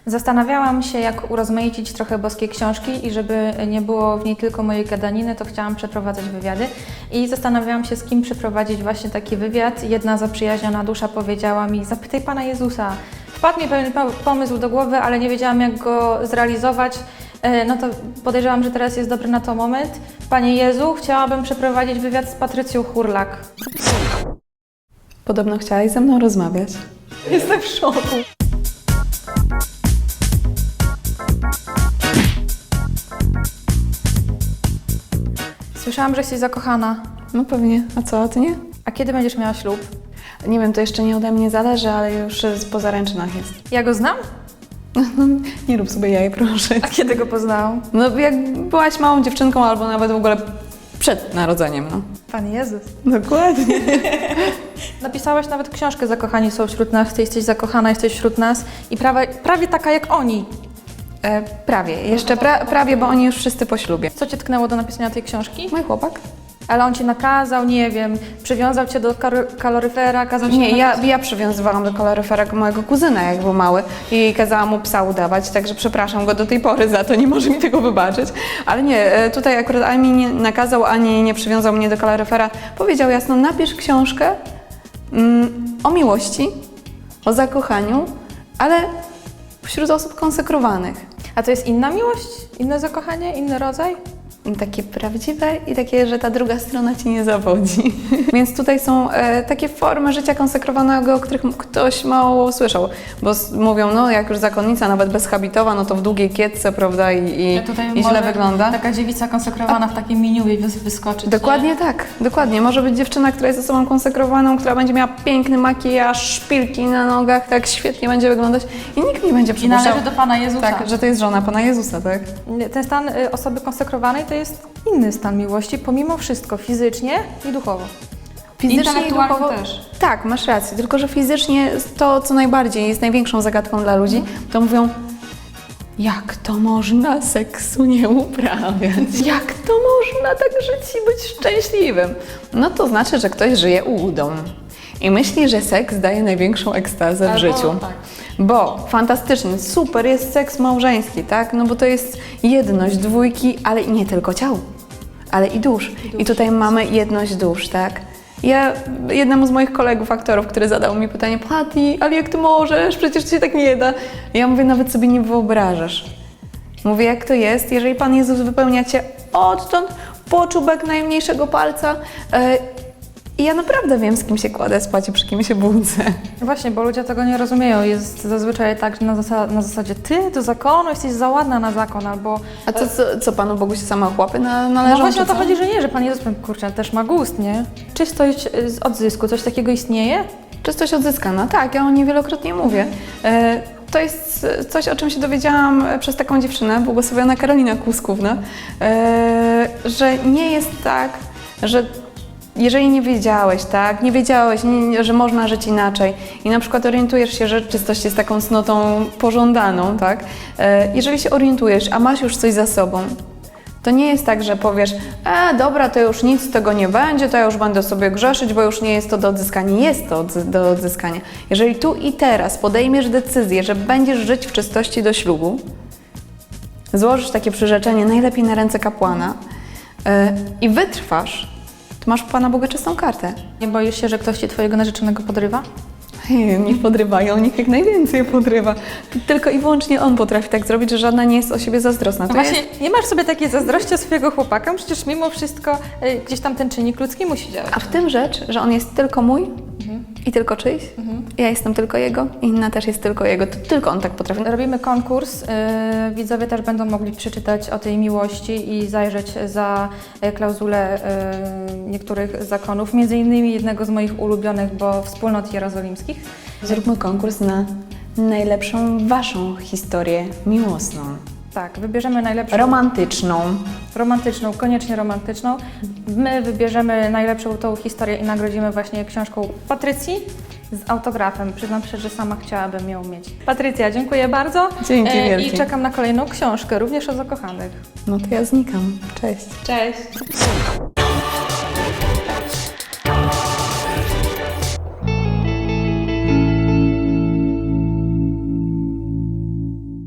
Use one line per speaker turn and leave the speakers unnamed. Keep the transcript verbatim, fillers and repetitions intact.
Zastanawiałam się, jak urozmaicić trochę boskie książki i żeby nie było w niej tylko mojej gadaniny, to chciałam przeprowadzać wywiady. I zastanawiałam się, z kim przeprowadzić właśnie taki wywiad. Jedna zaprzyjaźniona dusza powiedziała mi: zapytaj Pana Jezusa. Wpadł mi pewien pomysł do głowy, ale nie wiedziałam, jak go zrealizować. No to podejrzewam, że teraz jest dobry na to moment. Panie Jezu, chciałabym przeprowadzić wywiad z Patrycją Hurlak.
Podobno chciałaś ze mną rozmawiać.
Jestem w szoku. Słyszałam, że jesteś zakochana.
No pewnie. A co, a ty nie?
A kiedy będziesz miała ślub?
Nie wiem, to jeszcze nie ode mnie zależy, ale już po zaręczynach jest.
Ja go znam?
Nie rób sobie jaj, proszę.
A kiedy go poznałam?
No jak byłaś małą dziewczynką albo nawet w ogóle przed narodzeniem, no.
Pan Jezus.
Dokładnie.
Napisałaś nawet książkę Zakochani są wśród nas, ty jesteś zakochana, jesteś wśród nas i prawie, prawie taka jak oni.
E, prawie. Jeszcze pra, prawie, bo oni już wszyscy po ślubie.
Co cię tknęło do napisania tej książki?
Mój chłopak?
Ale on cię nakazał, nie wiem, przywiązał cię do kar- kaloryfera, kazał ci
Nie, ja,
napisać-
ja przywiązywałam do kaloryfera mojego kuzyna, jak był mały i kazałam mu psa udawać, także przepraszam go do tej pory za to, nie może mi tego wybaczyć. Ale nie, e, tutaj akurat ani nie nakazał, ani nie przywiązał mnie do kaloryfera. Powiedział jasno: napisz książkę mm, o miłości, o zakochaniu, ale wśród osób konsekrowanych.
A to jest inna miłość? Inne zakochanie? Inny rodzaj?
Takie prawdziwe i takie, że ta druga strona ci nie zawodzi. Więc tutaj są e, takie formy życia konsekrowanego, o których ktoś mało słyszał. Bo s- mówią, no jak już zakonnica, nawet bezhabitowa, no to w długiej kietce, prawda, i, i, i źle wygląda.
Taka dziewica konsekrowana w takim miniuwie wys- wyskoczyć.
Dokładnie
nie?
tak, dokładnie. Może być dziewczyna, która jest osobą konsekrowaną, która będzie miała piękny makijaż, szpilki na nogach, tak świetnie będzie wyglądać i nikt nie będzie
I
przypuszczał,
należy do Pana Jezusa.
tak, że to jest żona Pana Jezusa, tak?
Ten stan y, osoby konsekrowanej to jest inny stan miłości, pomimo wszystko, fizycznie i duchowo.
Fizycznie i
Intelektualnie
duchowo
też.
Tak, masz rację, tylko że fizycznie to, co najbardziej jest największą zagadką dla ludzi, to mówią: jak to można seksu nie uprawiać? Jak to można tak żyć i być szczęśliwym? No to znaczy, że ktoś żyje ułudą i myśli, że seks daje największą ekstazę w
Albo
życiu.
tak.
Bo fantastyczny, super jest seks małżeński, tak? No bo to jest jedność dwójki, ale i nie tylko ciał, ale i dusz. I, I tutaj mamy jedność dusz, tak? Ja jednemu z moich kolegów, aktorów, który zadał mi pytanie: Patty, ale jak ty możesz? Przecież się tak nie da. Ja mówię: nawet sobie nie wyobrażasz. Mówię: jak to jest, jeżeli Pan Jezus wypełnia cię odtąd po czubek najmniejszego palca. Yy, I ja naprawdę wiem, z kim się kładę spać i przy kim się budzę.
Właśnie, bo ludzie tego nie rozumieją. Jest zazwyczaj tak, że na, zasa- na zasadzie ty do zakonu jesteś za ładna na zakon, albo...
A co, co, co Panu Bogu się same chłopy na, należą?
No właśnie o
czy
to
co?
chodzi, że nie, że Pan Jezus, kurczę, też ma gust, nie? Czystość y, z odzysku, coś takiego istnieje?
Czystość odzyskana, tak, ja o niej wielokrotnie mówię. E, To jest coś, o czym się dowiedziałam przez taką dziewczynę, błogosławiona Karolina Kłuskówna, e, że nie jest tak, że jeżeli nie wiedziałeś, tak, nie wiedziałeś, nie, że można żyć inaczej i na przykład orientujesz się, że czystość jest taką cnotą pożądaną, tak, e, jeżeli się orientujesz, a masz już coś za sobą, to nie jest tak, że powiesz: e, dobra, to już nic z tego nie będzie, to ja już będę sobie grzeszyć, bo już nie jest to do odzyskania. Jest to odzy- do odzyskania. Jeżeli tu i teraz podejmiesz decyzję, że będziesz żyć w czystości do ślubu, złożysz takie przyrzeczenie, najlepiej na ręce kapłana, yy, i wytrwasz, to masz u Pana Boga czystą kartę.
Nie boisz się, że ktoś ci twojego narzeczonego podrywa?
Niech podrywają, niech jak najwięcej podrywa. Tylko i wyłącznie on potrafi tak zrobić, że żadna nie jest o siebie zazdrosna.
No
To
właśnie,
jest...
nie masz sobie takiej zazdrości o swojego chłopaka, przecież mimo wszystko y, gdzieś tam ten czynnik ludzki musi działać.
A w tym rzecz, że on jest tylko mój
Mhm.
i tylko czyjś, ja jestem tylko jego i inna też jest tylko jego, to tylko on tak potrafi.
Robimy konkurs, y, widzowie też będą mogli przeczytać o tej miłości i zajrzeć za y, klauzulę y, niektórych zakonów, między innymi jednego z moich ulubionych, bo wspólnot jerozolimskich.
Zróbmy konkurs na najlepszą waszą historię miłosną,
Tak, wybierzemy najlepszą,
romantyczną.
romantyczną, koniecznie romantyczną. My wybierzemy najlepszą tą historię i nagrodzimy właśnie książką Patrycji z autografem. Przyznam się, że sama chciałabym ją mieć. Patrycja, dziękuję bardzo.
Dzięki
E,
wielkie.
I czekam na kolejną książkę, również o zakochanych.
No to ja znikam. Cześć.
Cześć!